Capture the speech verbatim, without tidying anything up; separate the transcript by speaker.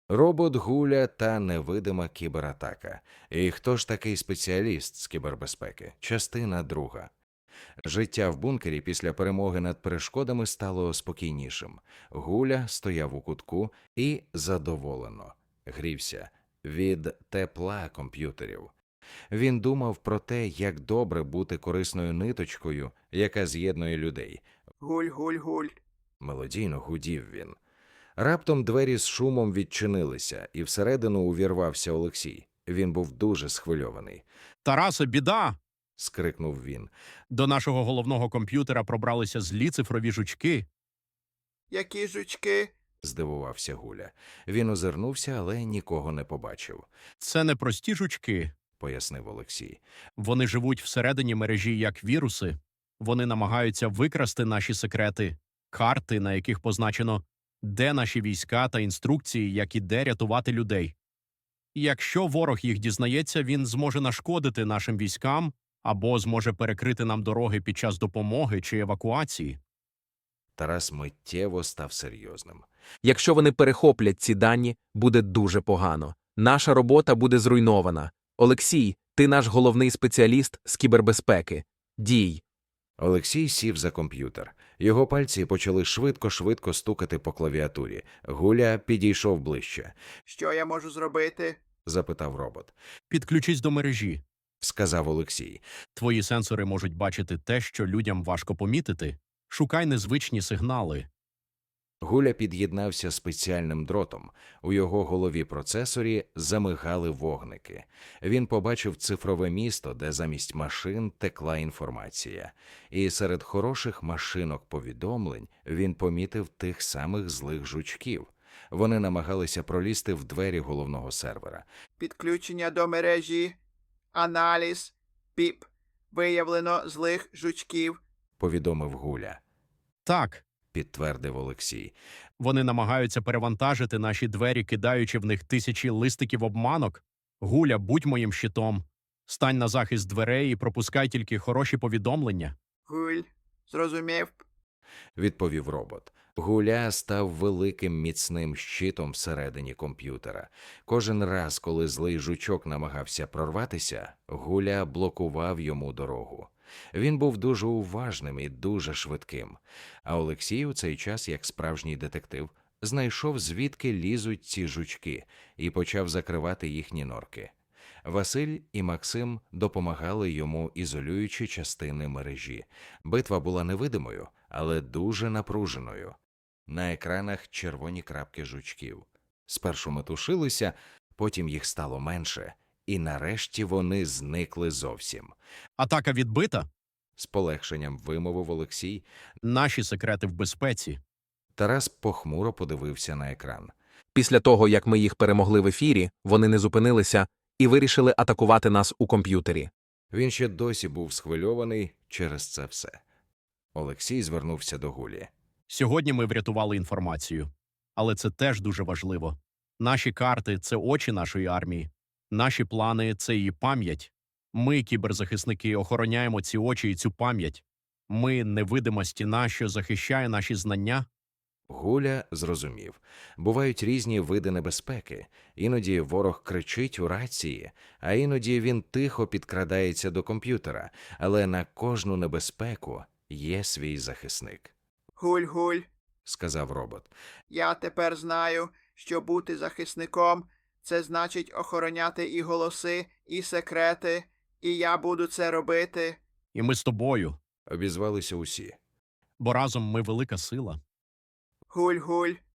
Speaker 1: Робот Гуля та невидима кібератака. І хто ж такий спеціаліст з кібербезпеки? Частина друга. Життя в бункері після перемоги над перешкодами стало спокійнішим. Гуля стояв у кутку і задоволено грівся від тепла комп'ютерів. Він думав про те, як добре бути корисною ниточкою, яка з'єднує людей.
Speaker 2: Гуль, гуль, гуль.
Speaker 1: Мелодійно гудів він. Раптом двері з шумом відчинилися, і всередину увірвався Олексій. Він був дуже схвильований.
Speaker 3: Тарасе, біда!
Speaker 1: Скрикнув він.
Speaker 3: До нашого головного комп'ютера пробралися злі цифрові жучки.
Speaker 2: Які жучки?
Speaker 1: Здивувався Гуля. Він озирнувся, але нікого не побачив,
Speaker 3: Це не прості жучки.
Speaker 1: пояснив Олексій.
Speaker 3: Вони живуть всередині мережі як віруси. Вони намагаються викрасти наші секрети, карти, на яких позначено, де наші війська та інструкції, як і де рятувати людей. І якщо ворог їх дізнається, він зможе нашкодити нашим військам або зможе перекрити нам дороги під час допомоги чи евакуації.
Speaker 1: Тарас миттєво став серйозним.
Speaker 4: Якщо вони перехоплять ці дані, буде дуже погано. Наша робота буде зруйнована. Олексій, ти наш головний спеціаліст з кібербезпеки. Дій.
Speaker 1: Олексій сів за комп'ютер. Його пальці почали швидко-швидко стукати по клавіатурі. Гуля підійшов ближче.
Speaker 2: Що я можу зробити?
Speaker 1: Запитав робот.
Speaker 3: Підключись до мережі.
Speaker 1: Сказав Олексій.
Speaker 3: Твої сенсори можуть бачити те, що людям важко помітити. Шукай незвичні сигнали.
Speaker 1: Гуля під'єднався спеціальним дротом. У його голові процесорі замигали вогники. Він побачив цифрове місто, де замість машин текла інформація. І серед хороших машинок повідомлень він помітив тих самих злих жучків. Вони намагалися пролізти в двері головного сервера.
Speaker 2: Підключення до мережі. Аналіз. Піп. Виявлено злих жучків.
Speaker 1: Повідомив Гуля.
Speaker 3: Так,
Speaker 1: Підтвердив Олексій.
Speaker 3: вони намагаються перевантажити наші двері, кидаючи в них тисячі листиків обманок. Гуля, будь моїм щитом. Стань на захист дверей і пропускай тільки хороші повідомлення.
Speaker 2: Гуль. Зрозумів.
Speaker 1: Відповів робот. Гуля став великим міцним щитом всередині комп'ютера. Кожен раз, коли злий жучок намагався прорватися, Гуля блокував йому дорогу. Він був дуже уважним і дуже швидким. А Олексій у цей час, як справжній детектив, знайшов, звідки лізуть ці жучки, і почав закривати їхні норки. Василь і Максим допомагали йому, ізолюючи частини мережі. Битва була невидимою, але дуже напруженою. На екранах червоні крапки жучків. Спершу метушилися, потім їх стало менше, і нарешті вони зникли зовсім.
Speaker 3: Атака відбита.
Speaker 1: З полегшенням вимовив Олексій.
Speaker 3: Наші секрети в безпеці.
Speaker 1: Тарас похмуро подивився на екран.
Speaker 4: Після того, як ми їх перемогли в ефірі, вони не зупинилися і вирішили атакувати нас у комп'ютері.
Speaker 1: Він ще досі був схвильований через це все. Олексій звернувся до Гулі.
Speaker 3: Сьогодні ми врятували інформацію. Але це теж дуже важливо. Наші карти – це очі нашої армії. Наші плани – це її пам'ять. Ми, кіберзахисники, охороняємо ці очі і цю пам'ять. Ми – невидима стіна, що захищає наші знання.
Speaker 1: Гуля зрозумів. Бувають різні види небезпеки. Іноді ворог кричить у рації, а іноді він тихо підкрадається до комп'ютера. Але на кожну небезпеку є свій захисник.
Speaker 2: Гуль, гуль.
Speaker 1: Сказав робот.
Speaker 2: Я тепер знаю, що бути захисником – це значить охороняти і голоси, і секрети, і я буду це робити.
Speaker 3: І ми з тобою.
Speaker 1: Обізвалися усі.
Speaker 3: Бо разом ми велика сила.
Speaker 2: Гуль, гуль.